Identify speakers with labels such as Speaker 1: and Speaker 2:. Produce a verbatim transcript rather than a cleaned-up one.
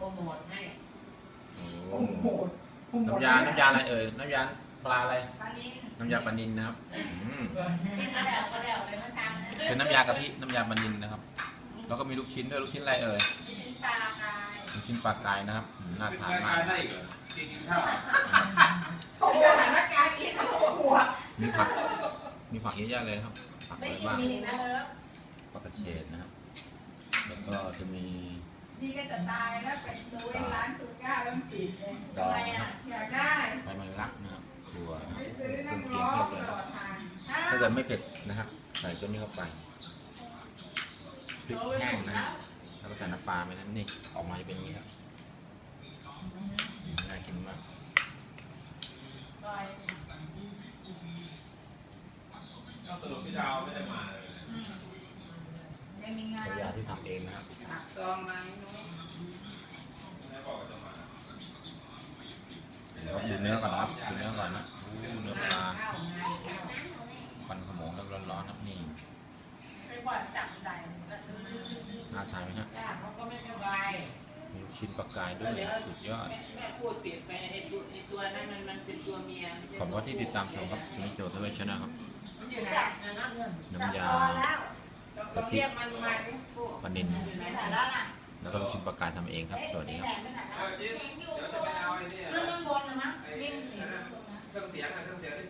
Speaker 1: โมทให้
Speaker 2: โอ้โหน้ำยา น้ำยาอะไรเอ่ย น้ำยาปลาอะไร น้ำยาปลานิลนะครับเป็นน้ำยากะทิ น้ำยาปลานิลนะครับ แล้วก็มีลูกชิ้นด้วยลูกชิ้นอะไรเอ่ยลูกชิ้นปลากายนะครับน่าทานมากมีผักมีผักเยอะแยะเลยครับผักอะไรบ้างผักกระเฉดนะครับแล้วก็จะมี
Speaker 3: นี่ก็จะตายแล้วไปดูร้านสุก้าแล้วปิดเลยทำไมอ่ะอยากได้
Speaker 2: ใบไม้รักนะครับถั่วเค
Speaker 3: ซื้อ
Speaker 2: รื่
Speaker 3: นั
Speaker 2: อง
Speaker 3: ก
Speaker 2: เคีย
Speaker 3: ร้
Speaker 2: ง
Speaker 3: อ
Speaker 2: เทีย
Speaker 3: ง
Speaker 2: บเลย
Speaker 3: ต่อทาง
Speaker 2: ถ้าเกิดไม่เผ็ดนะครับใส่ตัวนี้เข้าไปพริกแห้งนะแล้วก็ใส่น้ำปลาไปนะนี่ออกมาจะเป็นอย่างนี้ครับน่ากินมาก
Speaker 4: สรุปพี่ดาวไม่ได้มาเลย
Speaker 3: ยังมีงาน
Speaker 2: ยาที่ทำเองนะครับ
Speaker 1: ซองไม้นู้น
Speaker 4: ไม่บอกว่าจะมา
Speaker 2: เดี๋ยวดูเนื้อก่อนนะครับดูเนื้อก่อนนะเนื้อปลา
Speaker 1: ข้าวงานข้าว
Speaker 2: ควันขโมงแล้วร้อนๆครับนี่
Speaker 3: ไปปล่อยจับได้
Speaker 2: น่าทานไหมฮะ
Speaker 1: ย่าเขาก็ไม่สบาย
Speaker 2: มีลูกชิ้นปลากายด้วยสุดยอด
Speaker 1: แม่พูดเปลี่ยนไปไอ้ตัวไอ้ตัวนั้นมันมันเป็นตัวเมีย
Speaker 2: ขอบคุณที่ติดตามชมครับคุณโจทวีชนะครับ
Speaker 1: อยู่ไหนนั่นเงิน
Speaker 2: น้ำยา
Speaker 1: ต้องเรียกมันมาดิ
Speaker 2: ปลานิล
Speaker 1: อยู่ไหน
Speaker 2: แล้วก็ลูกชิ้นปลากายทำเองครับสวัสดีครับ
Speaker 4: เออจิ๊บเดี๋ยวจะไปเอาไอ้เนี่ย
Speaker 3: เรื่องบนนะมั้ง
Speaker 4: ไอ้เครื่องเสียงอะเครื่องเสียงที่